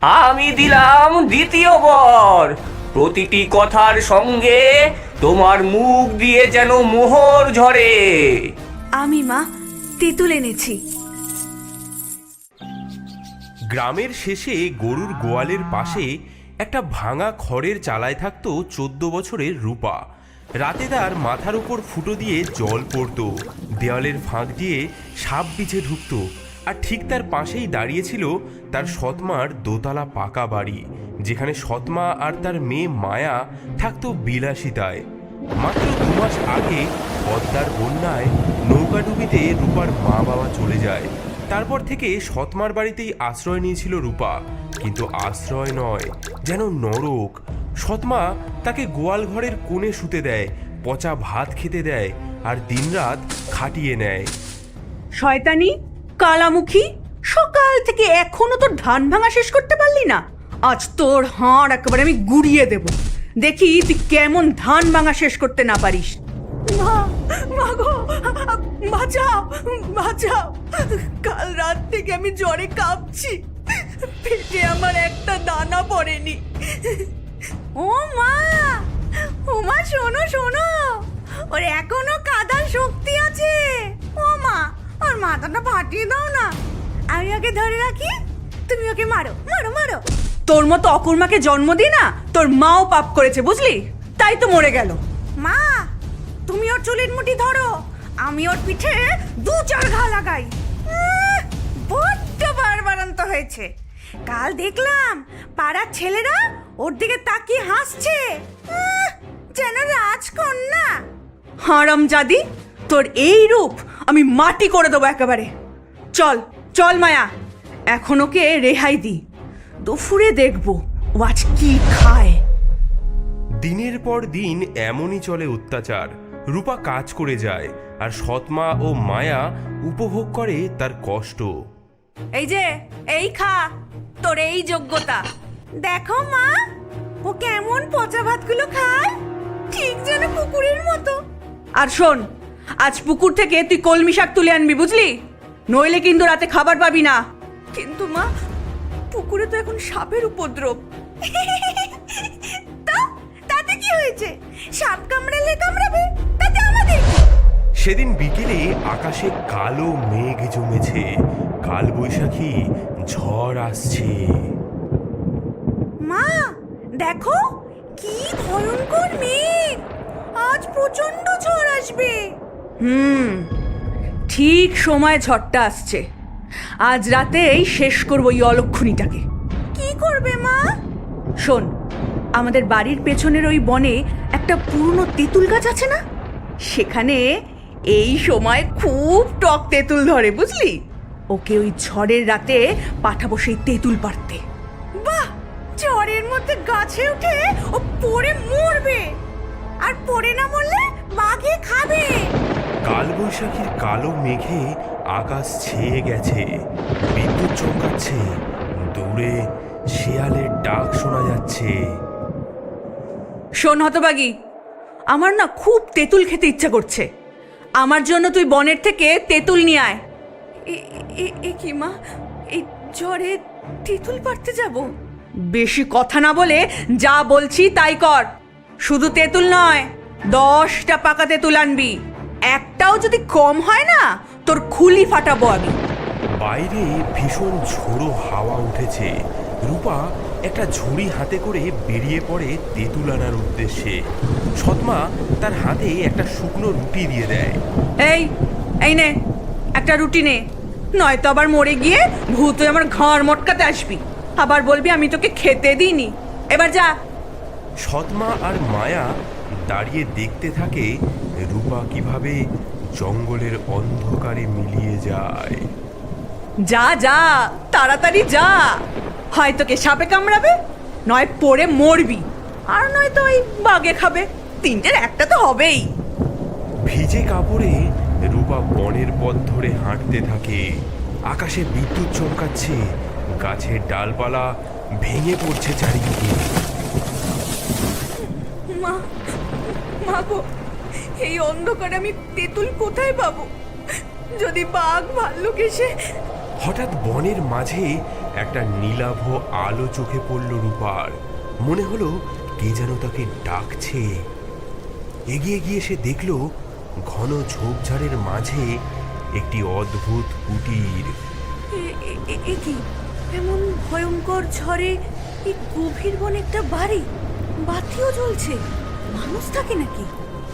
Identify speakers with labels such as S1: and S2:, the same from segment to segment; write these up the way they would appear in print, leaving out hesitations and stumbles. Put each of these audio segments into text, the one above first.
S1: আমি দিলাম দ্বিতীয় বর। প্রতিটি কথার সঙ্গে তোমার মুখ দিয়ে যেন মোহর ঝরে।
S2: আমি মা তেঁতুল এনেছি।
S3: গ্রামের শেষে গরুর গোয়ালের পাশে একটা ভাঙা খড়ের চালায় থাকতো 14 বছরের রূপা। রাতে তার মাথার উপর ফুটো দিয়ে জল পড়তো, দেওয়ালের ফাঁক দিয়ে সাপ বিছে ঢুকতো, আর ঠিক তার পাশেই দাঁড়িয়েছিল তার সৎমার দোতলা পাকা বাড়ি, যেখানে সৎমা আর তার মেয়ে মায়া থাকতো বিলাসিতায়। মাত্র 2 মাস আগে পদ্মার বন্যায় নৌকাডুবিতে রূপার মা বাবা চলে যায়। তারপর থেকে সৎমার বাড়িতেই আশ্রয় নিয়েছিল রূপা, কিন্তু আশ্রয় নয়, যেন নরক। সৎমা তাকে গোয়াল ঘরের কোণে শুতে দেয়, পচা ভাত খেতে দেয়, আর দিনরাত খাটিয়ে নেয়।
S2: শয়তানি কালামুখী, সকাল থেকে এখনো তোর ধান ভাঙা শেষ করতে পারলি না? আজ তোর হাড় একেবারে আমি গুড়িয়ে দেব, দেখি তুই কেমন ধান ভাঙা শেষ করতে না পারিস। মা, মা গো, বাঁচাও, বাঁচাও। কাল রাত থেকে আমি জ্বরে কাঁপছি, পেটে আমার একটা দানা পড়েনি। ও মা, ও মা, শোনো শোনো, ওর এখনো কাদার শক্তি আছে। ও মা, ওর মাথাটা ফাটিয়ে দাও না, আমি ওকে ধরে রাখি, তুমি ওকে মারো মারো মারো। তোর মতো অকুর্মাকে জন্ম দি না, তোর মাও পাপ করেছে বুঝলি, তাই তো মরে গেল। মা, তুমি ওর চুলের মুঠি ধরো, আমি ওর পিঠে 2-4 ঘা লাগাই। বড্ড বাড়বাড়ন্ত হয়েছে। কাল দেখলাম পাড়ার ছেলেরা ওর দিকে তাকিয়ে হাসছে, যেন রাজকন্যা। হারামজাদি, তোর এই রূপ আমি মাটি করে দেবো একেবারে। চল চল মায়া, এখন ওকে রেহাই দি, দুপুরে দেখবো ও আজ কি খায়।
S3: দিনের পর দিন এমনই চলে অত্যাচার। রূপা কাজ করে যায়, আর সৎমা ও মায়া উপভোগ করে তার কষ্ট।
S2: এই যে, এই খা, তোর এই যোগ্যতা। দেখো মা, ও কেমন পচা ভাতগুলো খায়, ঠিক যেন পুকুরের মতো। আর শোন, আজ পুকুর থেকে তুই কলমি শাক তুলে আনবি বুঝলি, নইলে কিন্তু রাতে খাবার পাবি না। কিন্তু মা, পুকুরে তো এখন সাপের উপদ্রব। তাতে কি হয়েছে? সাপ কামড়ালে কামড়াবে, তাতে আমাদের কি?
S3: সেদিন বিকেলে আকাশে কালো মেঘ জমেছে, কাল বৈশাখী ঝড় আসছে।
S2: মা দেখো, কি ভয়ঙ্কর মেঘ, আজ প্রচন্ড ঝড় আসবে। ঠিক সময় ঝড়টা আসছে। আজ রাতেই শেষ করবো এই অলক্ষণীটাকে। কি করবে মা? শোন, আমাদের বাড়ির পেছনের ওই বনে একটা পুরনো তেঁতুল গাছ আছে না, সেখানে এই সময় খুব টক তেঁতুল ধরে বুঝলি। ওকে ওই ঝড়ের রাতে পাঠাবো সেই তেঁতুল পাড়তে। বাহ, ঝড়ের মধ্যে গাছে উঠে ও পড়ে মরবে, আর পড়ে না মরলে বাঘে খাবে।
S3: কাল বৈশাখীর কালো মেঘে আকাশ ছেয়ে গেছে, বিদ্যুৎ চমকাচ্ছে, দূরে শেয়ালের ডাক শোনা যাচ্ছে।
S2: শোন হতবাগী, আমার না খুব তেঁতুল খেতে ইচ্ছা করছে, আমার জন্য তুই বনের থেকে তেঁতুল নিয়ে আয়। এ কি মা, এই ঝড়ে তেঁতুল পাড়তে যাব? বেশি কথা না বলে যা বলছি তাই কর। শুধু তেঁতুল নয়, 10টা পাকা তেঁতুল আনবি, একটাও যদি কম হয় না তোর খুলি ফাটাবো আমি।
S3: বাইরে ভীষণ ঝোড়ো হাওয়া উঠেছে। রূপা একটা ঝুড়ি হাতে করে বেরিয়ে পড়ে তেঁতুল আনার উদ্দেশ্যে। সৎমা তার হাতে একটা শুকনো রুটি দিয়ে দেয়।
S2: এই নে, একটা রুটি নে, নয়তো আবার মরে গিয়ে ভূত হয়ে আমার ঘাড় মটকাতে আসবি, আবার বলবি আমি তোকে খেতে দিইনি। এবার যা।
S3: সৎমা আর মায়া দাঁড়িয়ে দেখতে থাকে রূপা কিভাবে জঙ্গলের অন্ধকারে মিলিয়ে যায়।
S2: যা যা, তাড়াতাড়ি যা, হয় তোকে সাপে কামড়াবে, নয় পড়ে মরবি, আর নয়তো ওই বাঘে খাবে, তিনটের একটা তো হবেই।
S3: ভিজে কাপড়ে রূপা বনের পথ ধরে হাঁটতে থাকে। আকাশে বিদ্যুৎ চমকাচ্ছে, গাছের ডালপালা ভেঙে পড়ছে চারিদিকে।
S2: মা, মা গো, এই অন্ধকারে আমি তেঁতুল কোথায় পাবো? যদি বাঘ ভাল্লুক এসে।
S3: হঠাৎ বনের মাঝে একটা নীলাভ আলো চোখে পড়ল রূপার। মনে হলো কে যেন তাকে ডাকছে। এগিয়ে গিয়ে সে দেখল ঘন ঝোপঝাড়ের মাঝে একটি অদ্ভুত কুটির।
S2: কি এমন ভয়ঙ্কর ঝড়ে এই গভীর বনে একটা বাড়ি, বাতিও জ্বলছে, মানুষ থাকে নাকি?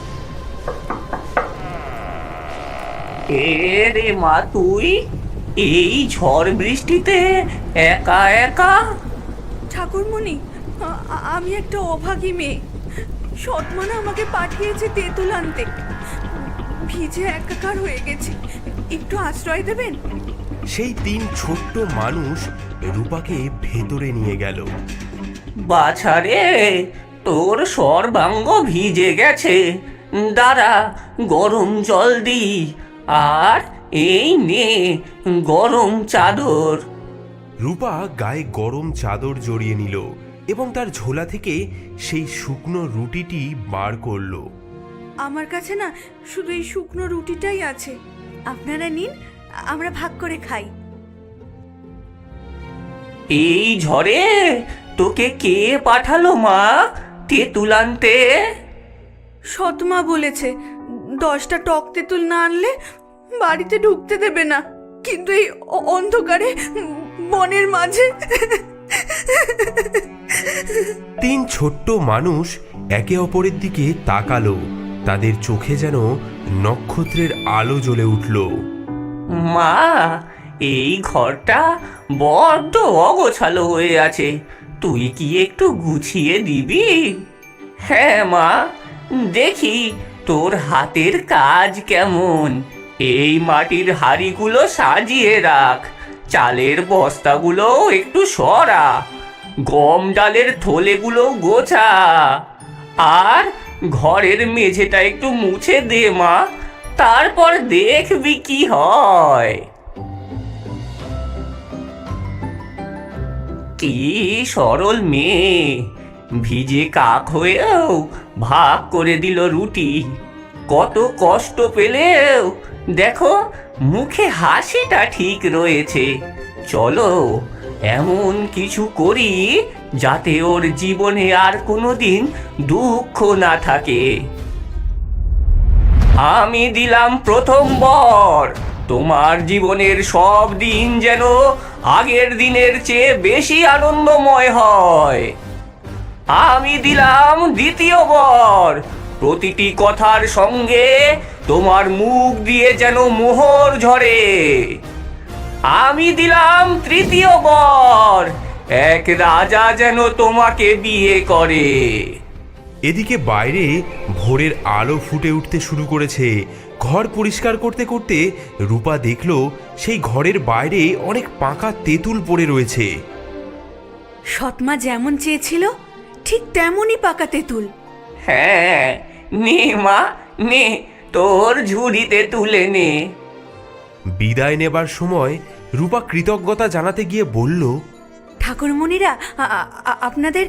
S1: এ রে মা, তুই এই ঝড় বৃষ্টিতে একা একা?
S2: ঠাকুরমণি, আমি একটা অভাগী মেয়ে। সৎমানা আমাকে পাঠিয়েছে তেঁতুল আনতে। ভিজে একাকার হয়ে গেছি, একটু আশ্রয় দেবেন?
S3: সেই তিন ছোট্ট মানুষ রূপাকে ভেতরে নিয়ে গেল।
S1: বাছারে, তোর সর্বাঙ্গ ভিজে গেছে, দাঁড়া গরম জল দি, আর এই নে গরম চাদর।
S3: রূপা গায়ে গরম চাদর জড়িয়ে নিল এবং তার ঝোলা থেকে সেই শুকনো রুটিটি বার করলো।
S2: আমার কাছে না শুধু এই শুকনো রুটিটাই আছে, আপনারা নিন, আমরা ভাগ করে খাই।
S1: এই ঝড়ে তোকে কে পাঠালো মা তেঁতুল আনতে?
S2: সৎমা বলেছে 10টা টক তেঁতুল না আনলে বাড়িতে ঢুকতে দেবে না, কিন্তু এই অন্ধকারে বনের মাঝে।
S3: তিন ছোট্ট মানুষ একে অপরের দিকে তাকালো। তাদের চোখে যেন নক্ষত্রের আলো জ্বলে উঠল।
S1: মা, এই ঘরটা বড্ড অগোছালো হয়ে আছে, তুই কি একটু গুছিয়ে দিবি? হ্যাঁ মা, দেখি তোর হাতের কাজ কেমন। এই মাটির হাঁড়িগুলো সাজিয়ে রাখ, চালের বস্তাগুলো একটু সরা, গম ডালের থলেগুলো গোছা, আর ঘরের মেঝেটা একটু মুছে দে মা, তারপর দেখবি কি হয়। কি সরল মেয়ে, ভিজে কাক হয়েও ভাগ করে দিল রুটি। কত কষ্ট পেলেও দেখো মুখে হাসিটা ঠিক রয়েছে। চলো এমন কিছু করি যাতে ওর জীবনে আর কোনোদিন দুঃখ না থাকে। আমি দিলাম প্রথম বর, তোমার জীবনের সব দিন যেন আগের দিনের চেয়ে বেশি আনন্দময় হয়। আমি দিলাম দ্বিতীয় বর, প্রতিটি কথার সঙ্গে তোমার মুখ দিয়ে যেন মোহর ঝরে। আমি দিলাম তৃতীয় বর, এক রাজা যেন তোমাকে বিয়ে করে।
S3: এদিকে বাইরে ভোরের আলো ফুটে উঠতে শুরু করেছে। ঘর পরিষ্কার করতে করতে রূপা দেখল সেই ঘরের বাইরে অনেক পাকা তেঁতুল পড়ে রয়েছে।
S2: সৎমা যেমন চেয়েছিল ঠিক তেমনই পাকা তেঁতুল।
S1: হ্যাঁ, নে মা নে, তোর ঝুড়িতে তুলে নে।
S3: বিদায় নেবার সময় রূপা কৃতজ্ঞতা জানাতে গিয়ে বলল,
S2: ঠাকুরমণিরা, আপনাদের।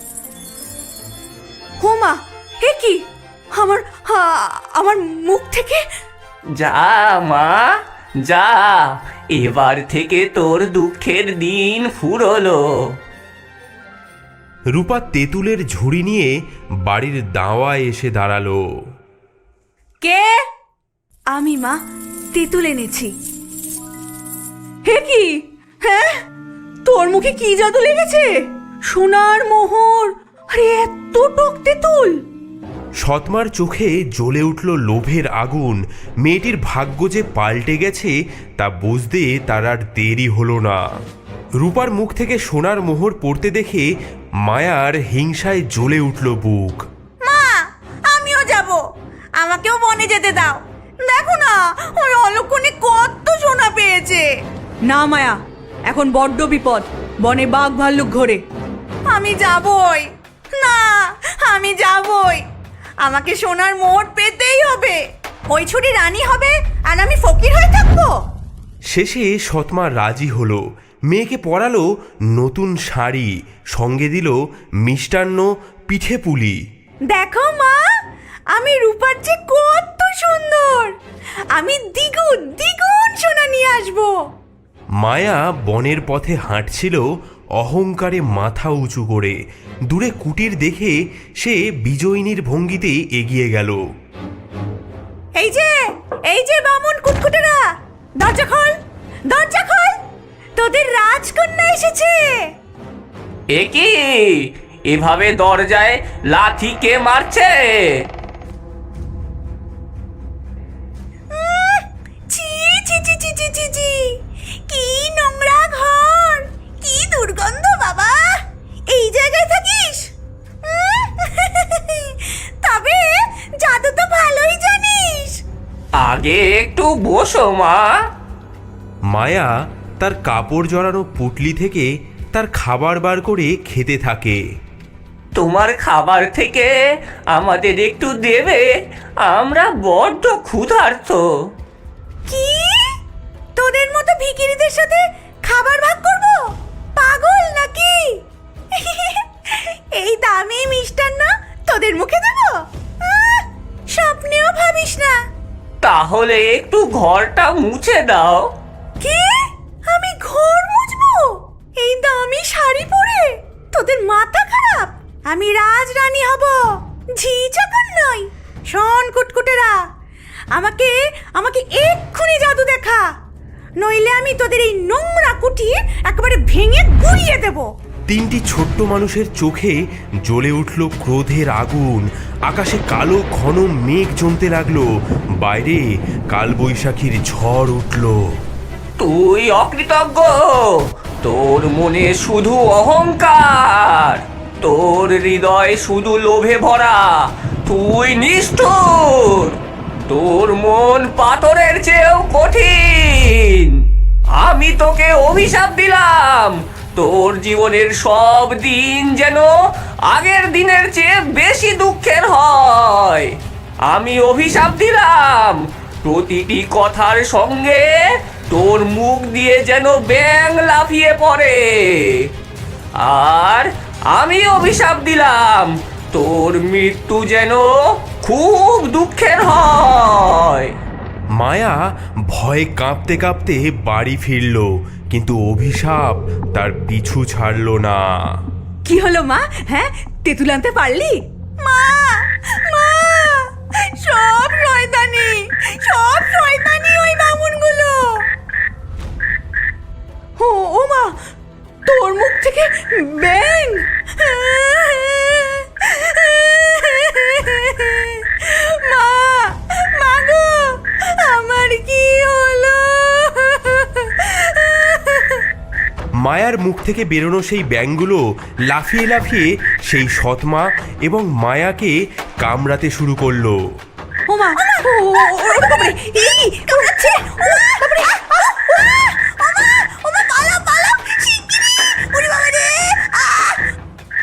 S2: হোমা, হে কি, আমার মুখ থেকে।
S1: যা মা যা, এবার থেকে তোর দুঃখের দিন ফুরলো।
S3: রূপা তেঁতুলের ঝুড়ি নিয়ে বাড়ির দাওয়ায় এসে দাঁড়ালো।
S2: কে? আমি মা, তেঁতুল এনেছি। হে কি, হ্যাঁ, তোর মুখে কি জাদু লেগেছে? সোনার মোহর, আরে এত টক তেঁতুল!
S3: সৎমার চোখে জ্বলে উঠল লোভের আগুন। মেয়েটির ভাগ্য যে পাল্টে গেছে তা বুঝতে তার আর দেরি হলো না। রূপার মুখ থেকে সোনার মোহর পড়তে দেখে মায়ার হিংসায় জ্বলে উঠল বুক।
S2: মা, আমিও যাব, আমাকেও বনে যেতে দাও। দেখো না, ওর অলক্ষণে কত সোনা পেয়েছে। না মায়া, এখন বড্ড বিপদ, বনে বাঘ ভাল্লুক ঘোরে। আমি যাবই না, আমি যাবই, আমাকে সোনার মোহর পেতেই হবে। ওই ছুটি রানী হবে আর আমি ফকির হয়ে থাকবো।
S3: শেষে সৎমা রাজি হলো। মেয়েকে পরালো নতুন শাড়ি, সঙ্গে দিল মিষ্টান্ন, পিঠে পুলি।
S2: দেখো মা, আমি রূপার চেয়ে কত সুন্দর, আমি দ্বিগুণ দ্বিগুণ সোনা নিয়ে আসবো।
S3: মায়া বনের পথে হাঁটছিল অহংকারে মাথা উঁচু করে। দূরে কুটির দেখে সে বিজয়িনীর ভঙ্গিতে এগিয়ে গেল।
S2: এই যে বামুন কুটকুটেরা, দরজা খোল, দরজা খোল, তোদের রাজকন্যা এসেছে।
S1: এ কি, এভাবে দরজায় লাথি কে মারছে?
S2: ছি ছি ছি ছি ছি ছি ছি, কি নোংরা ঘর, কি দুর্গন্ধ বাবা। এই জায়গায় থাকিস? তবে জাদু তো ভালোই জানিস।
S1: আগে একটু বসো মা।
S3: মায়া তার কাপড় জড়ানো পুটলি থেকে তার খাবার বার করে খেতে থাকে।
S1: তোমার খাবার থেকে আমাদের একটু দেবে, আমরা বড্ড ক্ষুধার্ত।
S2: কি, তোদের মতো ভিখিরিদের সাথে খাবার ভাগ করব? পাগল নাকি? এই দামি মিষ্টান্ন তোদের মুখে দেব? স্বপ্নেও ভাবিস না।
S1: তাহলে একটু ঘরটা মুছে দাও।
S2: কি, আমি ঘর মুছবো এই দামি শাড়ি পরে? তোদের মাথা খারাপ? আমি রাজরানী হব, ঝি চাকর নই। শোন কুটকুটেরা, আমাকে আমাকে এক্ষুনি জাদু দেখা, নইলে আমি তোদের এই নোংরা কুটির একেবারে ভেঙে গুড়িয়ে দেব।
S3: তিনটি ছোট্ট মানুষের চোখে জ্বলে উঠল ক্রোধের আগুন। আকাশে কালো ঘন মেঘ জমতে লাগলো। বাইরে কালবৈশাখীর ঝড় উঠল।
S1: তুই অকৃতজ্ঞ, তোর মনে শুধু অহংকার, তোর হৃদয় শুধু লোভে ভরা, তুই নিষ্ঠুর, তোর মন পাথরের চেয়েও কঠিন। আমি তোকে অভিশাপ দিলাম, তোর জীবনের সব দিন যেন আগের দিনের চেয়ে বেশি দুঃখের হয়। আমি অভিশাপ দিলাম, প্রতিটি কথার সঙ্গে তোর মুখ দিয়ে যেন ব্যাঙ লাফিয়ে পড়ে। আর আমি অভিশাপ দিলাম, তোর মৃত্যু যেন খুব দুঃখের হয়।
S3: মায়া ভয়ে কাঁপতে কাঁপতে বাড়ি ফিরল, কিন্তু অভিশাপ তার পিছু ছাড়ল না।
S2: কি হলো মা? হ্যাঁ, তেঁতুল আনতে পারলি? মা, মা, সব শয়তানি ওই বামুনগুলো। ও মা, তোর মুখ থেকে ব্যাঙ! মা গো, আমার কি হলো?
S3: মায়ার মুখ থেকে বেরোনো সেই ব্যাঙগুলো লাফিয়ে লাফিয়ে সেই সৎমা এবং মায়াকে কামড়াতে শুরু করলো।
S2: ও মা,